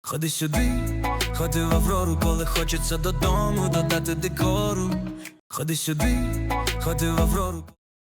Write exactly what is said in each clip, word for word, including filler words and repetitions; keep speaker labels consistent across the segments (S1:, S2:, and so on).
S1: Ходи сюди, ходи в Аврору, коли хочеться додому додати декору. Ходи сюди, ходи в Аврору.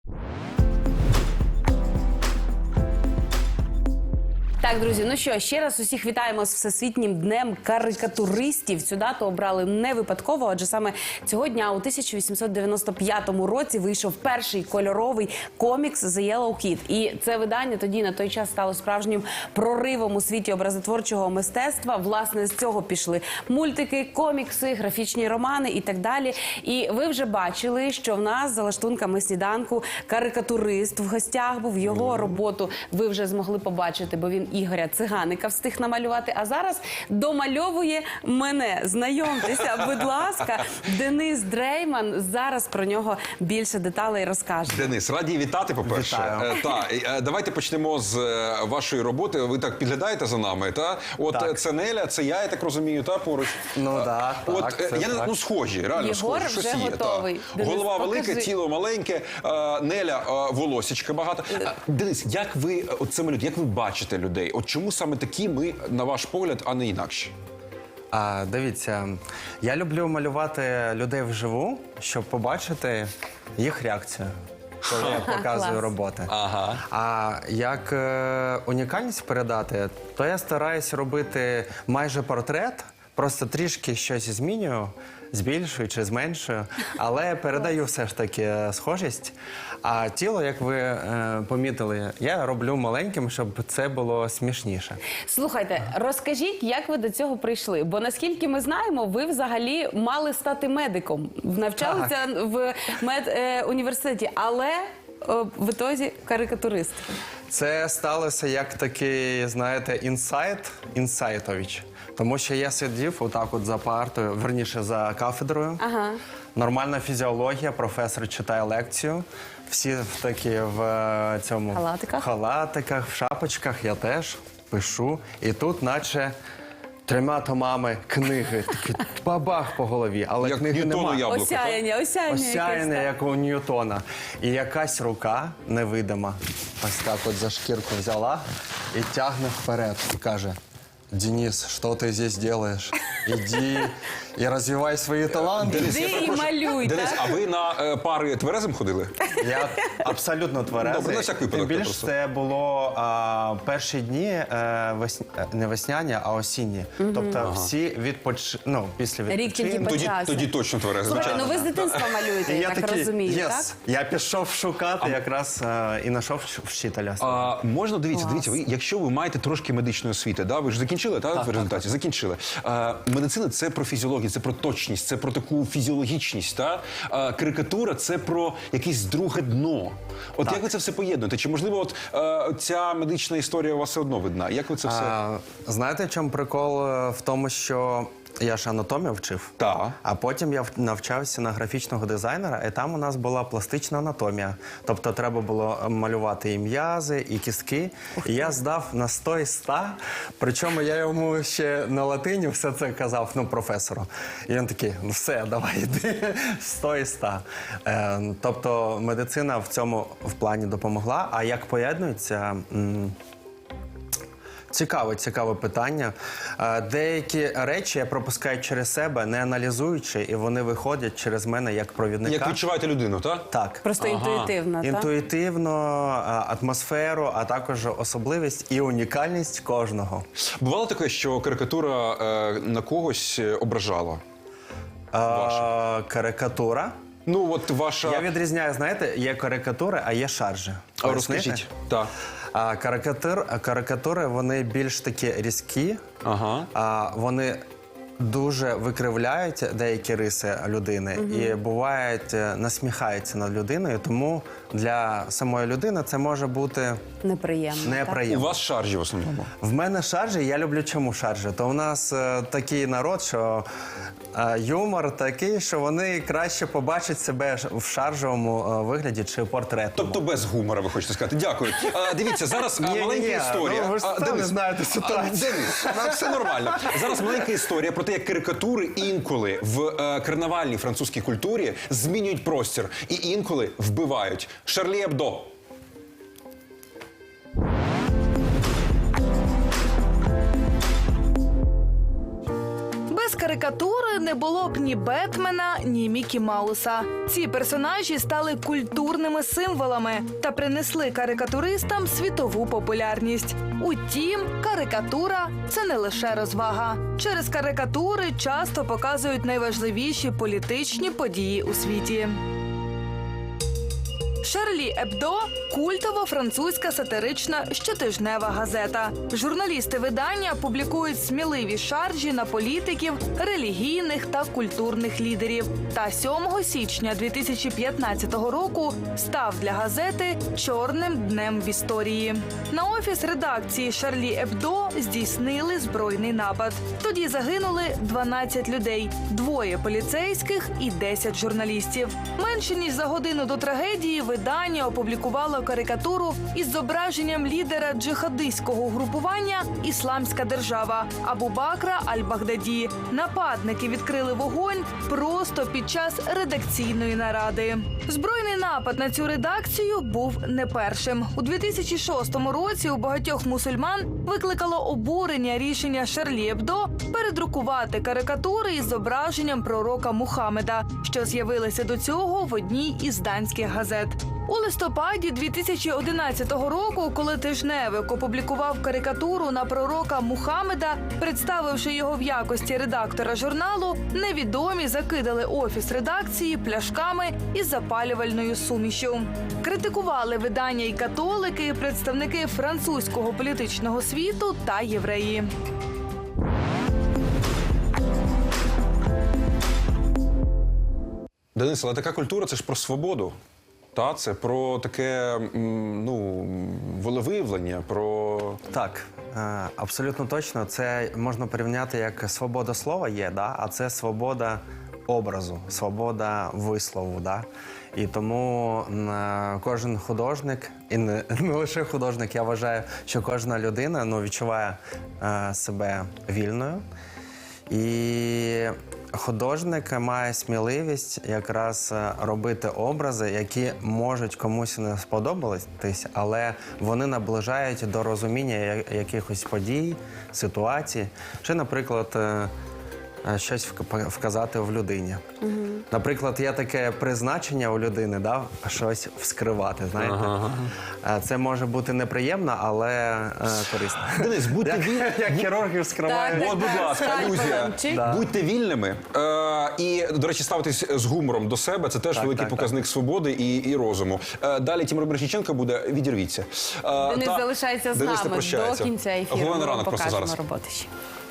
S2: Так, друзі, ну що, ще раз усіх вітаємо з Всесвітнім днем карикатуристів. Цю дату обрали не випадково, адже саме цього дня у тисяча вісімсот дев'яносто п'ятому році вийшов перший кольоровий комікс «The Yellow Kid». І це видання тоді на той час стало справжнім проривом у світі образотворчого мистецтва. Власне, з цього пішли мультики, комікси, графічні романи і так далі. І ви вже бачили, що в нас за лаштунками сніданку карикатурист в гостях був. Його роботу ви вже змогли побачити, бо він Ігоря Циганика встиг намалювати, а зараз домальовує мене. Знайомтеся, будь ласка, Денис Дрейман. Зараз про нього більше деталей розкаже.
S3: Денис, раді вітати, по-перше. Е, та, е, давайте почнемо з е, вашої роботи. Ви так підглядаєте за нами, та? От
S4: Так.
S3: це Неля, це я, я так розумію, та, поруч?
S4: Ну,
S3: Е,
S4: так,
S3: От,
S4: так,
S3: е,
S4: це
S3: я не,
S4: так.
S3: ну, схожі, реально
S2: Єгор
S3: схожі. Щось
S2: вже
S3: є,
S2: готовий.
S3: та.
S2: Денис,
S3: Голова
S2: покажи.
S3: велика, тіло маленьке, е, Неля, е, волосічка багато. Е, Денис, як ви, от це малюєте, як ви бачите людей? От чому саме такі ми, на ваш погляд, а не інакші?
S4: А, дивіться, я люблю малювати людей вживу, щоб побачити їх реакцію, коли я показую
S2: Клас.
S4: роботи.
S3: Ага.
S4: А як е, унікальність передати, то я стараюсь робити майже портрет, просто трішки щось змінюю, збільшую чи зменшую, але передаю все ж таки схожість. А тіло, як ви е, помітили, я роблю маленьким, щоб це було смішніше.
S2: Слухайте, розкажіть, як ви до цього прийшли? Бо, наскільки ми знаємо, ви взагалі мали стати медиком. Навчалися в медуніверситеті, але е, в ітозі карикатурист.
S4: Це сталося як такий, знаєте, інсайт, інсайтович. Тому що я сидів отак от за партою, верніше за кафедрою.
S2: Ага.
S4: Нормальна фізіологія, професор читає лекцію. Всі такі в е, цьому
S2: Халатиках?
S4: халатиках, в шапочках, я теж пишу. І тут наче трьома томами книги, такі бабах по голові, але
S3: Як
S4: книги
S3: Ньютону
S4: немає.
S3: яблуко.
S2: Осяяння, осяяння.
S4: Осяяне,
S2: якесь,
S4: як у Ньютона. І якась рука невидима, ось так от за шкірку взяла і тягне вперед. І каже: «Денис, що ти здесь делаєш? Іди і розвивай свої таланти».
S2: так. Іди і малюй,
S3: Денис,
S2: так?
S3: а ви на е, пари тверезим ходили?
S4: Я абсолютно тверезий.
S3: Добре, на всяк випадок
S4: Тим більш
S3: просто.
S4: це було а, перші дні е, весня... е, не весняні, а осінні. Тобто всі відпоч... ну, після
S2: Рік
S4: відпочинку.
S2: тільки
S3: Тоді,
S2: почався.
S3: тоді точно тверезим.
S2: Слухайте, ну ви з дитинства малюєте,
S4: І
S2: я так
S4: такий,
S2: розумію,
S4: «Єс».
S2: так?
S4: Я пішов шукати якраз е, і знайшов вчителя.
S3: А, можна, дивіться, дивіться, ви, якщо ви маєте трошки медичної освіти, да, ви ж закінчили, так, в результаті? Закінчили. А, медицина – це про фізіологію, це про точність, це про таку фізіологічність, та? А, карикатура – це про якесь друге дно. От як ви це все поєднуєте? Чи, можливо, от е, ця медична історія у вас все одно видна? Як ви це все?
S4: А, знаєте, в чому прикол? Е, В тому, що я ж анатомію вчив.
S3: Та.
S4: А потім я в- навчався на графічного дизайнера, і там у нас була пластична анатомія. Тобто треба було малювати і м'язи, і кістки. І я здав на сто із ста, причому я йому ще на латині все це казав, ну, професору. І він такий: ну все, давай йди, сто із ста. Е, тобто медицина в цьому в плані допомогла. А як поєднується? м, Цікаве, цікаве питання. Е, Деякі речі я пропускаю через себе, не аналізуючи, і вони виходять через мене як провідника.
S3: Як відчуваєте людину, так?
S4: Так.
S2: Просто інтуїтивно, так?
S4: Інтуїтивно, а, атмосферу, а також особливість і унікальність кожного.
S3: Бувало таке, що карикатура е, на когось е, ображала?
S4: Е, Карикатура.
S3: Ну, от ваша...
S4: Я відрізняю, знаєте, є карикатури, а є шаржі.
S3: А,
S4: Пояснити?
S3: розкажіть. Так.
S4: А карикатур, карикатури, вони більш такі різкі,
S3: Ага.
S4: а, вони дуже викривляють деякі риси людини і бувають, е, насміхаються над людиною, тому для самої людини це може бути
S2: Неприємно, так?
S3: У
S4: неприємно.
S3: вас шаржі в основному.
S4: В мене шаржі, я люблю чому шаржі. То у нас е, такий народ, що е, юмор такий, що вони краще побачать себе ш- в шаржовому е, вигляді чи портретному.
S3: Тобто без гумора, ви хочете сказати. Дякую. А, дивіться, зараз а,
S4: Ні-ні-ні,
S3: маленька історія.
S4: ну, ви ж
S3: А,
S4: самі
S3: Денис,
S4: знаєте ситуацію.
S3: а, Денис, ну, все нормально. Зараз маленька історія про те, як карикатури інколи в е, карнавальній французькій культурі змінюють простір і інколи вбивають. Шарлі Ебдо.
S5: карикатури не було б ні Бетмена, ні Мікі Мауса. Ці персонажі стали культурними символами та принесли карикатуристам світову популярність. Утім, карикатура – це не лише розвага. Через карикатури часто показують найважливіші політичні події у світі. Шарлі Ебдо – культова французька сатирична щотижнева газета. Журналісти видання публікують сміливі шаржі на політиків, релігійних та культурних лідерів. Та сьомого січня дві тисячі п'ятнадцятого року став для газети чорним днем в історії. На офіс редакції Шарлі Ебдо здійснили збройний напад. Тоді загинули дванадцять людей, двоє поліцейських і десять журналістів. Менше ніж за годину до трагедії видання опублікувало карикатуру із зображенням лідера джихадистського угрупування «Ісламська держава» Абу Бакра Аль-Багдаді. Нападники відкрили вогонь просто під час редакційної наради. Збройний напад на цю редакцію був не першим. У дві тисячі шостому році у багатьох мусульман викликало обурення рішення Шарлі Ебдо передрукувати карикатури із зображенням пророка Мухаммеда, що з'явилися до цього в одній із данських газет. У листопаді дві тисячі одинадцятого року, коли тижневик опублікував карикатуру на пророка Мухаммеда, представивши його в якості редактора журналу, невідомі закидали офіс редакції пляшками із запалювальною сумішю. Критикували видання і католики, і представники французького політичного світу та євреї.
S3: Денис, але така культура – це ж про свободу. Та, це про таке, м, ну, волевиявлення, про...
S4: Так, е, абсолютно точно. Це можна порівняти як свобода слова є, да? А це свобода образу, свобода вислову. Да? І тому е, кожен художник, і не, не лише художник, я вважаю, що кожна людина ну, відчуває е, себе вільною. І художник має сміливість якраз робити образи, які можуть комусь не сподобатись, але вони наближають до розуміння якихось подій, ситуацій. Чи, наприклад, щось вказати в людині. Угу. Наприклад, є таке призначення у людини, да, щось вскривати, знаєте. Ага. Це може бути неприємно, але е, корисно.
S3: Денис, будьте вільними.
S4: Як хірурги вскривають.
S3: От, будь ласка, алюзія.
S4: Да.
S3: Будьте вільними. Е, і, до речі, ставитись з гумором до себе – це теж
S4: так,
S3: великий
S4: так,
S3: показник
S4: так.
S3: свободи і, і розуму. Е, далі Тимур Бережніченко буде «Відірвіться». Е,
S2: Денис
S3: та...
S2: залишається з
S3: Денис
S2: нами до кінця ефіру.
S3: Головне
S2: Ми вам
S3: ранок просто
S2: покажемо
S3: зараз.
S2: роботи ще.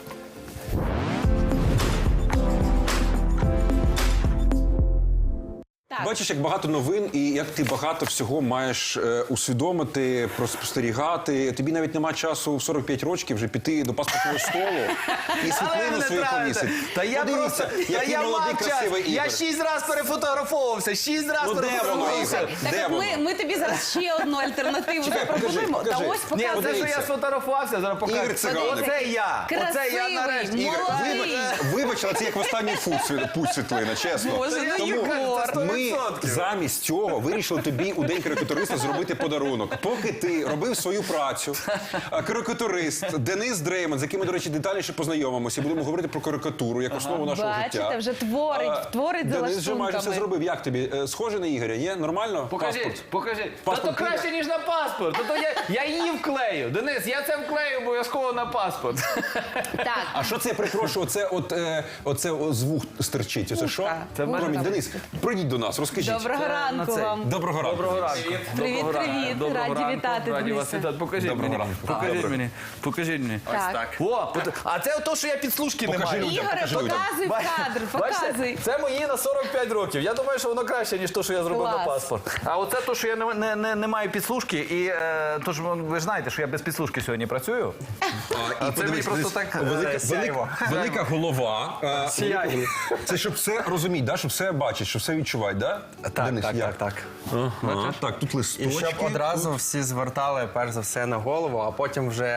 S2: Так.
S3: Бачиш, як багато новин і як ти багато всього маєш е, усвідомити, спостерігати. Тобі навіть нема часу в сорок п'ять років вже піти до паспортного столу і світлину свою повісити.
S6: Та я
S3: Подивіться,
S6: просто, та
S3: який
S6: я
S3: молодий,
S6: мав час.
S3: красивий Ігор.
S6: Я шість разів перефотографовувався, шість разів
S3: Ну, де воно,
S6: перефотографовувався.
S3: Ігор?
S2: Так,
S3: Де
S2: от
S3: воно?
S2: ми, ми тобі зараз ще одну альтернативу
S3: Чекай,
S2: запропонуємо.
S3: покажи,
S2: Та
S3: покажи.
S2: ось
S6: Ні,
S2: покажи.
S6: це, що
S3: Подивіться.
S6: я сфотографувався, зараз покажу.
S3: Ігор Циганик.
S6: Оце я. Оце я
S2: Красивий,
S6: нарешті.
S3: Ігор,
S2: молодий.
S3: вибач, вибач, але це як в останній фут сві- путь світлина, чесно.
S2: Боже, ну,
S3: Тому
S2: Єгор.
S3: ми замість цього вирішили тобі у День карикатуриста зробити подарунок. Поки ти робив свою працю, а, карикатурист Денис Дрейман, з яким ми, до речі, детальніше познайомимося, будемо говорити про карикатуру як основу нашого
S2: Бачите,
S3: життя.
S2: вже творить,
S3: А,
S2: творить за
S3: Денис вже майже все
S2: лаштунками.
S3: зробив. Як тобі? Е, Схоже на Ігоря, ні? Нормально?
S6: Покажіть,
S3: Паспорт?
S6: покажіть. Та
S3: Паспорт
S6: то краще,
S3: піде?
S6: ніж на паспорт. Та то я, я її вклею. Денис, я це вклею обов'язково на паспорт.
S2: Так.
S3: А що це, я перепрошую, оце, от, е, оце о, з вух стирчить? Оце що?
S6: Це
S3: Промінь.
S2: вушка.
S3: Денис, прийдіть до нас, розкажіть.
S2: Доброго ранку
S6: цей.
S2: вам.
S3: Доброго ранку.
S6: Доброго ранку.
S2: Привіт,
S6: Доброго ранку.
S2: привіт.
S6: Доброго
S2: Раді
S6: ранку.
S2: вітати,
S6: Раді вас
S2: Денисе.
S6: вітати. Покажіть
S3: Доброго
S6: мені.
S3: ранку.
S6: Покажіть
S3: Доброго.
S6: мені. Покажіть мені.
S2: Так.
S6: О, от- а це то, що я підслужки не
S3: Покажи
S6: маю.
S3: людям,
S2: Ігоре,
S3: покажи людям.
S2: показуй в кадр,
S6: Бачите,
S2: показуй.
S6: це мої на сорок п'ять років. Я думаю, що воно краще, ніж те, що я зробив
S2: Клас.
S6: на паспорт. А оце те, що я не, не, не, не маю підслужки. І е, тож ви ж знаєте, що я без підслужки сьогодні працюю.
S3: А, і
S6: це мені
S3: подивись,
S6: просто
S3: подивись,
S6: так, е,
S3: велика,
S6: сяйво.
S3: велика, велика голова. е,
S6: Сяйво.
S3: велика голова. Це щоб все розуміти, да? Щоб все бачить, щоб все відчувати, да?
S4: Так,
S3: Денис,
S4: так,
S3: як?
S4: так, так.
S3: Ага. Так, тут
S4: І
S3: листочки.
S4: щоб одразу всі звертали перш за все на голову, а потім вже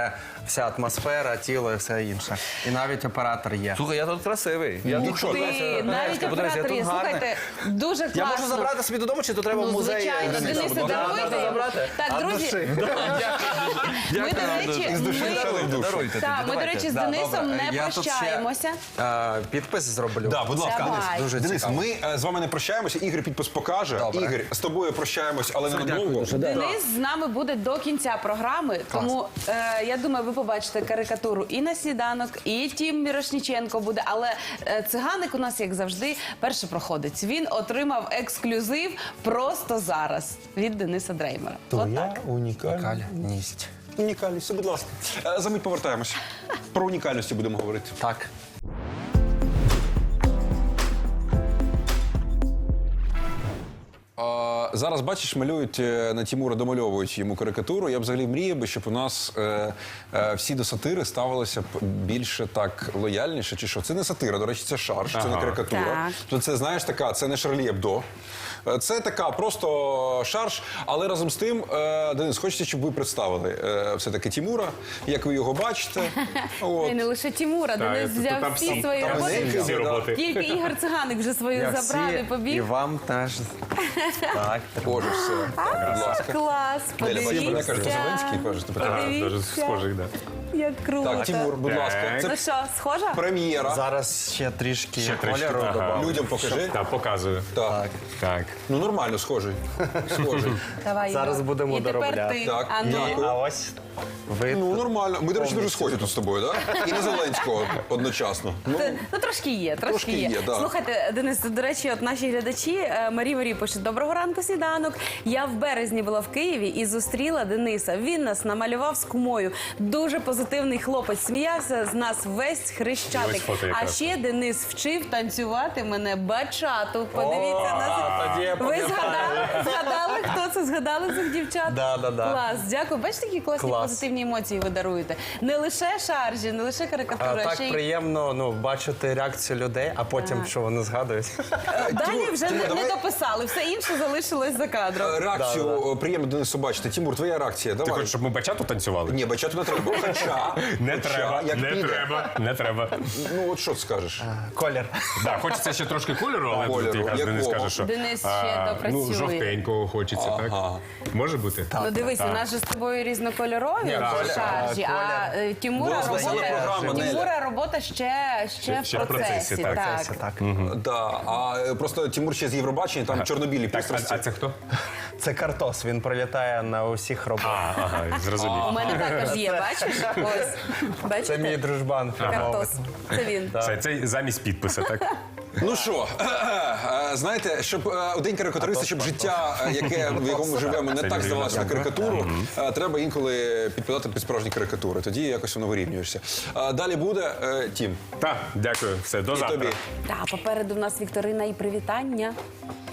S4: вся атмосфера, тіло і все інше. І навіть оператор є.
S6: Слухай, я тут красивий. Я тут що,
S2: Ти,
S6: Леся,
S2: навіть
S6: Леська, подивись, я
S2: оператор є.
S6: тут гарний.
S2: Слухайте, дуже класно.
S6: Я можу забрати собі додому, чи то треба
S2: Ну,
S6: в музей?
S2: звичайно,
S6: Дениса?
S2: Денисе,
S6: Можна
S2: даруйте.
S6: забрати?
S2: Так,
S6: А
S2: друзі,
S6: душі?
S2: ми, до речі,
S3: Із душі
S2: ми-
S3: взяли в душу.
S6: Даруйте
S2: Так,
S6: тоді,
S2: ми, до
S6: давайте.
S2: речі, з
S4: Да,
S2: Денисом
S4: добре.
S2: не
S4: Я тут ще-
S2: прощаємося.
S4: Е, підпис зроблю.
S3: Да, будь ласка,
S2: Давай.
S3: Денис.
S4: Дуже
S3: Денис,
S4: цікаво.
S3: ми е, з вами не прощаємося. Ігор підпис покаже.
S4: Добре.
S3: Ігор, з тобою прощаємось, але не надовго.
S2: Денис з нами буде до кінця програми, тому е, я думаю, ви побачите карикатуру і на сніданок, і Тім Мірошніченко буде. Але е, циганик у нас, як завжди, перший проходить. Він отримав ексклюзив просто зараз від Дениса Дреймера. От так.
S4: Унікальність.
S3: Унікальність, будь ласка. Е, За мить повертаємося. Про унікальності будемо говорити.
S4: Так.
S3: А, зараз, бачиш, малюють е, на Тімура, домальовують йому карикатуру. Я б взагалі мріяв би, щоб у нас е, е, всі до сатири ставилися б більше так лояльніше. Чи що? Це не сатира, до речі, це шарж, це не карикатура.
S2: Так.
S3: То це, знаєш, така, це не Шарлі Ебдо. Е, Це така просто шарж, але разом з тим, е, Денис, хочеться, щоб ви представили е, все-таки Тімура, як ви його бачите. От.
S2: І не лише Тімура, Денис
S7: тут
S2: взяв
S7: там
S2: всі
S7: всі-
S2: свої
S7: там
S2: роботи.
S3: всі
S7: всі роботи.
S2: Тільки Ігор Циганик вже свою
S4: Я
S2: забрав і
S4: всі, і
S2: побіг.
S4: вам теж. Так.
S3: Боже, все. Так, будь ласка.
S2: Клас,
S3: Деля, бачиш, мене кажуть,
S2: подивіться.
S3: Зеленський, кажуть, тепер.
S7: Ага, дуже
S2: Подивіться.
S7: схожий, да.
S2: Як круто.
S3: Так, Тімур, будь
S7: Так.
S3: ласка.
S2: Ну
S3: Це
S2: що, схожа?
S3: прем'єра.
S4: Зараз ще трішки
S7: Ще трішки,
S4: кольору
S7: ага.
S4: добавлю.
S3: Людям покажи.
S7: Так, показую.
S3: Так.
S7: Так.
S3: Ну нормально, схожий. Схожий.
S2: Давай,
S4: Зараз
S2: Ігор.
S4: будемо
S2: І тепер
S4: доробляти.
S2: ти.
S3: Так,
S2: А ну.
S3: дякую.
S4: А ось ви.
S3: Ну нормально. Ми, до речі, дуже схожі тут з тобою, так? І на Зеленського одночасно. Ну,
S2: Ти- Ну, трошки є, трошки,
S3: Трошки
S2: є.
S3: є, да.
S2: Слухайте, Денис, до речі, от наші глядачі, е, Марі Марі пише: доброго ранку, сніданок. Я в березні була в Києві і зустріла Дениса. Він нас намалював з кумою. Дуже позитивний хлопець. Сміявся з нас весь хрещатик.
S7: Ось фото
S2: А
S7: якраз.
S2: ще Денис вчив танцювати мене бачату. Подивіться на
S4: тоді я
S2: це. Ви згадали, згадали, хто це? Згадали цих дівчат?
S4: Да, да, да.
S2: Клас, дякую. Бачите, які класні
S4: Клас.
S2: позитивні емоції ви даруєте. Не лише шаржі, не лише
S4: А,
S2: карикатури, а
S4: так
S2: ще й
S4: приємно ну, бачити реакцію людей, а потім, що вони згадують.
S2: далі вже
S3: Тимур,
S2: не, не
S3: давай-
S2: дописали, все інше залишилось за кадром.
S3: реакцію приємно Денису бачити. Тімур, твоя реакція.
S7: Ти
S3: Давай.
S7: хочеш, щоб ми бачату танцювали?
S3: Ні, бачати не треба. Хоча,
S7: Не
S3: хоча,
S7: треба,
S3: як
S7: не
S3: піде.
S7: треба, не треба.
S3: Ну от що ти скажеш?
S4: Колір.
S7: Да, хочеться ще трошки кольору, але
S3: Кольору.
S7: тут якраз Денис
S3: Якого?
S7: каже, що
S2: Денис ще
S7: а,
S2: допрацює.
S7: ну, жовтенького хочеться,
S3: Ага.
S7: так? Може бути?
S2: Ну дивись, у нас же з тобою різнокольорові
S7: так,
S2: шаржі, а е, Тімура
S3: У нас весела
S2: робота,
S3: програма, Неля.
S2: Тімура робота ще, ще,
S7: Ще
S2: в
S7: в процесі,
S2: процесі.
S7: так.
S2: так.
S4: Це так.
S3: Да. А е, просто Тімур ще з Євробачення, там чорнобілі
S7: Так, а,
S3: пристрасті.
S7: а це хто?
S4: Це картос, він прилітає на усіх
S7: А,
S4: роботах.
S7: ага, зрозумів.
S2: У мене також є, бачиш? Ось. Бачите?
S4: Це мій дружбан.
S2: Картос. Це він.
S7: Це, це замість підписа, так?
S3: Ну що, е, знаєте, щоб е, у день карикатуриста, щоб життя, е, яке в якому ми живемо, не
S7: Це
S3: так
S7: не
S3: здавалося на
S7: вірно.
S3: карикатуру, е, треба інколи підпадати під справжні карикатури. Тоді якось воно вирівнюєшся. Е, Далі буде е, Тім.
S7: Так, дякую. Все, до
S3: І
S7: завтра.
S3: тобі.
S2: Так, попереду в нас вікторина і привітання.